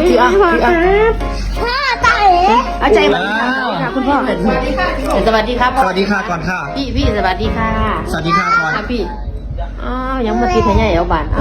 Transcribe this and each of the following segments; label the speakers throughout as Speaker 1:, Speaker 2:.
Speaker 1: พี่อ่ะ
Speaker 2: พ่อตา
Speaker 1: อาใจมาค่ะคุณพ่อสวัสดีค่ะสวัสดีครับ
Speaker 3: สวัสดีค่ะก่อนค่ะ
Speaker 1: พี่สวัสดีค่ะ
Speaker 3: สวัสดีค่ะก่อน
Speaker 1: พี่ยังมาตีทะเลเอาบาน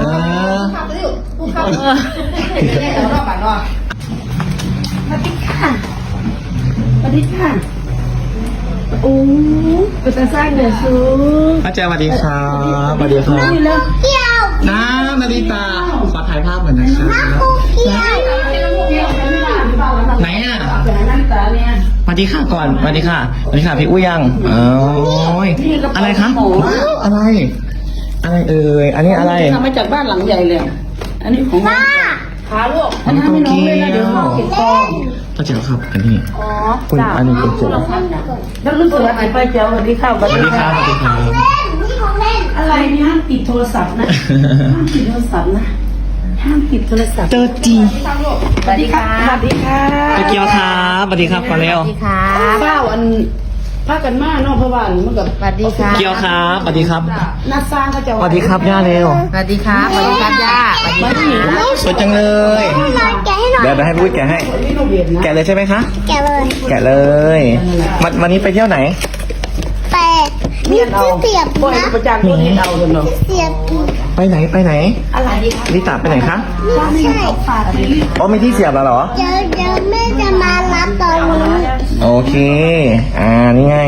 Speaker 1: สวัสดีค่ะโอ้เป็นตาสร้างเดือดสูง
Speaker 3: อาจารย์สวัสดีครับสวัสดีครับ
Speaker 2: เที่ยว
Speaker 3: น้ำนาฬิตาขอถ่ายภาพหน่อยนะครับ
Speaker 2: เที่ยว
Speaker 3: ไหนอ่ะสวัสดีค่ะก่อนสวัสดีค่ะสวัสดีค่ะพี่อุ้ยยังอะไรคะอะไรเอ่ยอันนี้อะไร
Speaker 1: ทำมาจากบ้านหลังใหญ่เลยอันนี้ของ
Speaker 2: ป้า
Speaker 1: ขาลูกอันนี้ไม่น้องเลยนะเดี๋ยวน้องเก็บกอง
Speaker 3: ป้าเจ๋วครับอันนี้ คุณ
Speaker 1: จ้า
Speaker 3: อันนี้คุณเจ๋ว
Speaker 1: แล้วรุ่นสวัสดีป้าเจ้าสวัสดีค่ะ
Speaker 3: สวัสดีครับสวัสดีครับ
Speaker 2: นี่ของเล่น
Speaker 1: อะไรเนี่ยห้ามปิดโทรศัพท์นะห้ามปิดโทรศัพท์นะห้ามปิดโทรศัพท์
Speaker 3: เจอจริง
Speaker 1: สวัสดีค่ะสวัสดีค่ะ
Speaker 3: ไปเกียวครับสวัสดีครับก่อนเร็ว
Speaker 1: สวัสดีค่ะเป้าอันพากันมาเนอกเพราะว่ามันกับสวัสดีค่ะ
Speaker 3: เกียวครับสวัสดีครับ
Speaker 1: นัดสร้างเขาจะ
Speaker 3: สวัสดีครับย่าเร็ว
Speaker 1: สวัสดีครับสวัสดีครับย่าสวัสดีค่ะ
Speaker 3: สวยจังเลย
Speaker 2: มาแกะให้หน่อย
Speaker 3: เดี๋ยวให้พี่อุ้ยแกะให้
Speaker 1: นี่เราเบียดนะ
Speaker 3: แกะเลยใช่ไหมคะ
Speaker 2: แกะเลย
Speaker 3: แกะเลย วันนี้ไปเที่ยวไหน
Speaker 2: แต่มีที่เสียบ
Speaker 1: บ่อย
Speaker 2: นะ
Speaker 1: ประจันตัวนี้เอาจนเนาะ
Speaker 2: เสียบ
Speaker 3: ไปไหน
Speaker 1: อะไรดีคะ
Speaker 3: ลิตาไปไหนคะ
Speaker 2: ไม่ใช่
Speaker 3: อ๋อมีที่เสียบแล้วเหรอ
Speaker 2: เดี๋ยวแม่จะมารับตอนนี้
Speaker 3: โอเค นี่ไง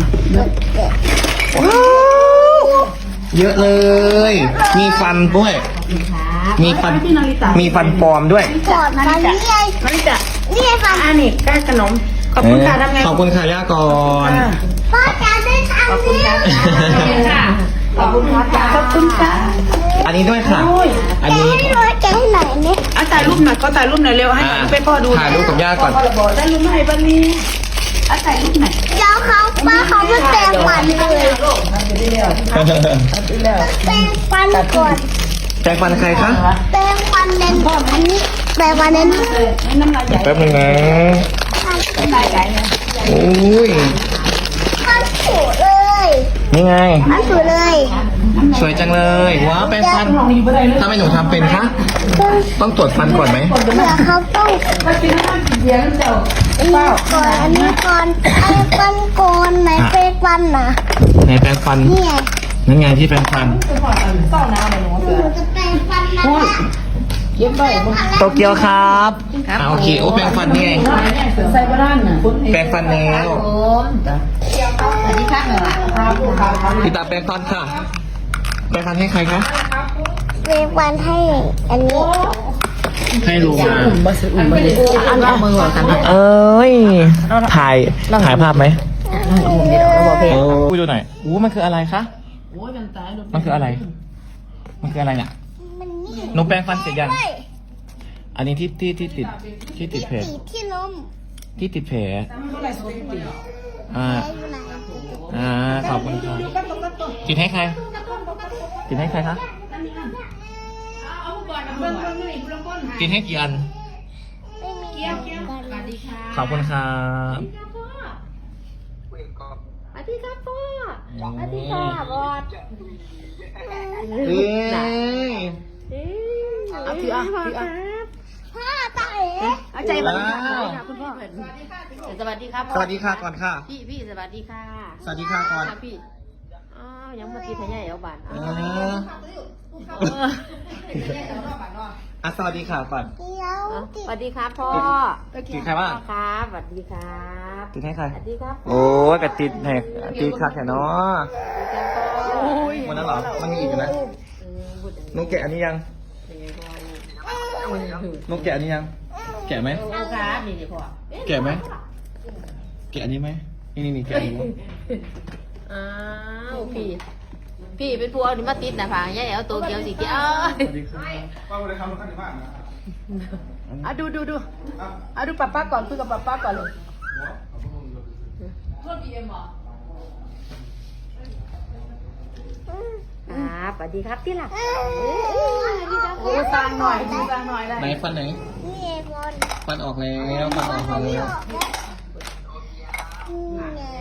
Speaker 3: เยอะเลย มีฟันด้วย มีฟัน
Speaker 1: พี่นาริตา
Speaker 3: มีฟันปลอมด้วย
Speaker 2: กอดฟันนี่ไง
Speaker 1: นาริตา
Speaker 2: นี่ไงฟัน
Speaker 1: อันนี้แก้ขนมขอบคุณค่ะทำไง
Speaker 3: ขอบคุณค่ะย่าก่อน
Speaker 2: พ่อจะได้ทำ
Speaker 1: ขอบคุณ
Speaker 2: นี่
Speaker 1: ค่ะขอบคุณค่ะขอบคุณค่ะ
Speaker 3: อันนี้ด้วยค่ะ อัน
Speaker 2: แกะ
Speaker 3: นี้
Speaker 2: ให้หน่อยแกะให้หน่อยนี่
Speaker 1: ถ่ายรูปหน่อยก็ถ่ายรูปหน่อยเร็วให้ไปพ่อดู
Speaker 3: ถ่ายรูปกับย่าก่อน
Speaker 1: ได้รูปให้ป้านี่ถ่ายรูปหน่อย
Speaker 2: เดี๋ยวเขาป้าเขาไม่แปรงฟันเลยแปรงฟันก่อน
Speaker 3: แจ็คฟันใครคะ
Speaker 2: แปรงฟันเน้นอันนี้แปรงฟันเน้น
Speaker 1: น้ำลายใหญ่
Speaker 3: แป๊บนึงนะ
Speaker 1: น้ำลายใหญ่นะ
Speaker 3: อุ้ย
Speaker 2: ฟันสูเลย
Speaker 3: นี่ไง
Speaker 2: ฟันสูเลย
Speaker 3: สวยจังเลย ว้าวแปรงฟันถ้าไม่หนูทำเป็นคะ ต้องตรวจฟันก่อนไหม
Speaker 2: เผื่อเขาต้อง
Speaker 1: มากินน้ำเสียงเจ้า
Speaker 2: อันนี้ก่อนไอ้ฟันก่อนไหนแปรงฟันนะ
Speaker 3: ไหนแปรงฟัน
Speaker 2: นี่ไง
Speaker 3: นั่นไงที่แปรงฟัน
Speaker 1: เศร้าน้ำเลยหนู
Speaker 2: หนูจะแปรงฟันนะ
Speaker 1: เย็บไป
Speaker 3: โตเกียวครับโอเค โอ้แปรงฟันนี่ไง
Speaker 1: ใส่บ้านน่ะ
Speaker 3: แปรงฟันแล้ว
Speaker 1: สวัสดีค่ะครับ
Speaker 3: พี่ตาแปรงฟันค่ะ แปรงฟันให้ใครคะ
Speaker 2: แปรงฟันให้อันนี้
Speaker 3: ให้ลุงมา
Speaker 1: อันเอามือหัวกัน
Speaker 3: เอ้ย ถ่ายภาพไหม
Speaker 1: บอกเพลง
Speaker 3: โอ้ดูหน่อยอู้มันคืออะไรคะ
Speaker 1: โอ้ยมันตาย
Speaker 3: มันคืออะไร มันคืออะไรเนี่ย
Speaker 2: มันนี่
Speaker 3: หนูแปรงฟันเสร็จยัง
Speaker 2: ด้วย
Speaker 3: อันนี้ที่ติดแผล
Speaker 2: สีที่นม
Speaker 3: ที่ติดแผล อ่า
Speaker 2: อยู่ไหน
Speaker 3: ขอบคุณครับติดให้ใคร ติดให้ใครคะ ติดให้กี่อัน
Speaker 2: ไม่มีกัน
Speaker 3: ขอบคุณครับ
Speaker 2: สวัสดีครับพ่อสวัสดีค่ะบอส
Speaker 3: เอ้ย
Speaker 1: เอาถืออ่ะถืออ่ะ
Speaker 2: พ่อตาเอ๋
Speaker 1: เอาใจมาคุณพ่อสวัสดีครับ
Speaker 3: สวัสดีค่ะก่อนค่ะ
Speaker 1: พี่สวัสดีค่ะ
Speaker 3: สวัสดีค่ะก่อน
Speaker 1: พี่ยังมาตีทะเลเอาบาน
Speaker 3: สวัสดีค่ะก่อน
Speaker 2: เดี๋ยวติด
Speaker 1: สวัสดีครับพ่อ
Speaker 3: ติดใครบ้าง
Speaker 1: ครับสวัสดีครับ
Speaker 3: ติดให้ใคร
Speaker 1: สวัสดีครับ
Speaker 3: โอ้ยกระติดแหกติดคักแค่เนาะ
Speaker 1: โอ้ย
Speaker 3: วันนั้นเหรอ มันมีอีกอยู่นะนุกแกะอันนี้ยังนุกแกะอันนี้ยัง แกะไหม
Speaker 1: ครับนี่พ่อ
Speaker 3: แกะไหม แกะอันนี้ไหมนี่แกะอันนี้มั้ย
Speaker 1: อ้าวพี่เป็นพวกนี่มาติดนะพังยายเอาตัวเกียวสีเกียว
Speaker 3: สวัสดีครับ
Speaker 1: ดูดูป้าก่อนคุยกับป้าก่อนเลยครับสวัสดีครับที่หลักโอ้สร้างหน่อยได้
Speaker 3: ไหนฟันไหน
Speaker 2: นี่เองบอล
Speaker 3: ฟันออกแล้วฟันออกแล้ว
Speaker 2: นี่ไง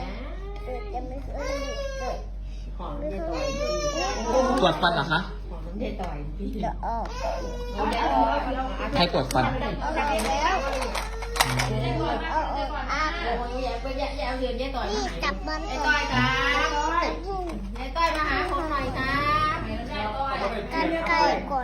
Speaker 2: จะไม่เคยเลย
Speaker 1: ของ
Speaker 2: ไม่
Speaker 1: เย
Speaker 2: เค
Speaker 1: ตัวย
Speaker 3: ตรวจฟันเหรอคะ
Speaker 1: เด็ดต่อย
Speaker 2: เดี๋ยวออก
Speaker 3: ใครปวดฟัน
Speaker 2: เอาแล้วนี่จับมันก่อน กันไกลก่อน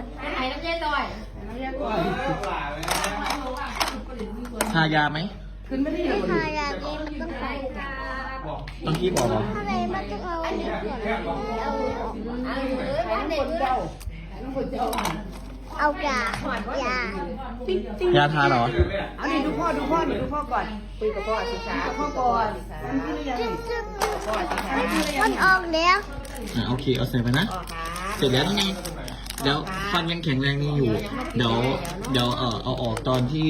Speaker 3: ทายาไหม
Speaker 1: ขึ้นไม่ได้
Speaker 2: ไม่
Speaker 1: เลย
Speaker 2: ทายาดีมันต้องใส่
Speaker 3: ต้องคีบออกเหรอ
Speaker 2: ถ้าไหนมันต้องเอาอันนี้ก่อนเอาเอายายา
Speaker 3: ยาทาเหรอ
Speaker 1: เอาดิดูพ่อก่อนคุยกับพ่อศึกษาพ่อก่อนมันขึ้นหรือยัง
Speaker 2: จึ๊บมันออกแล้ว
Speaker 3: โอเค เอาใส่ไปนะ เสร็จแล้วนี่ไงเดี๋ยวฟันยังแข็งแรงนี่อยู่ เดี๋ยวเอาออกตอนที่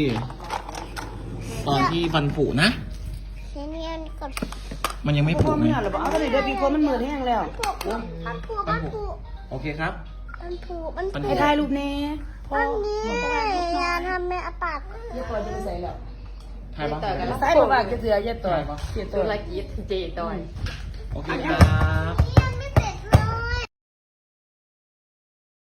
Speaker 3: ฟันผุนะ
Speaker 2: เนียนก่อน
Speaker 3: มันยังไม่ผุ
Speaker 1: พ่อ
Speaker 3: ไง
Speaker 1: ไม่เอาหรอเอาเลยเดี๋ยวปีคนมันเหมือนแห้งแล้ว
Speaker 2: มันผู
Speaker 3: โอเคครับ
Speaker 1: ไอ้ถ่ายรูปแน่พ่อ
Speaker 2: อันนี้ยาทำแม่ปาก
Speaker 1: อย่าปล่อยจะไปใส่แล้ว
Speaker 3: ถ่ายบ้าง
Speaker 1: ใส่บอกว่าจะเสืออย่าต่อยเสียตัว
Speaker 4: ธุรกิจเจต่อย
Speaker 3: โอเคครับ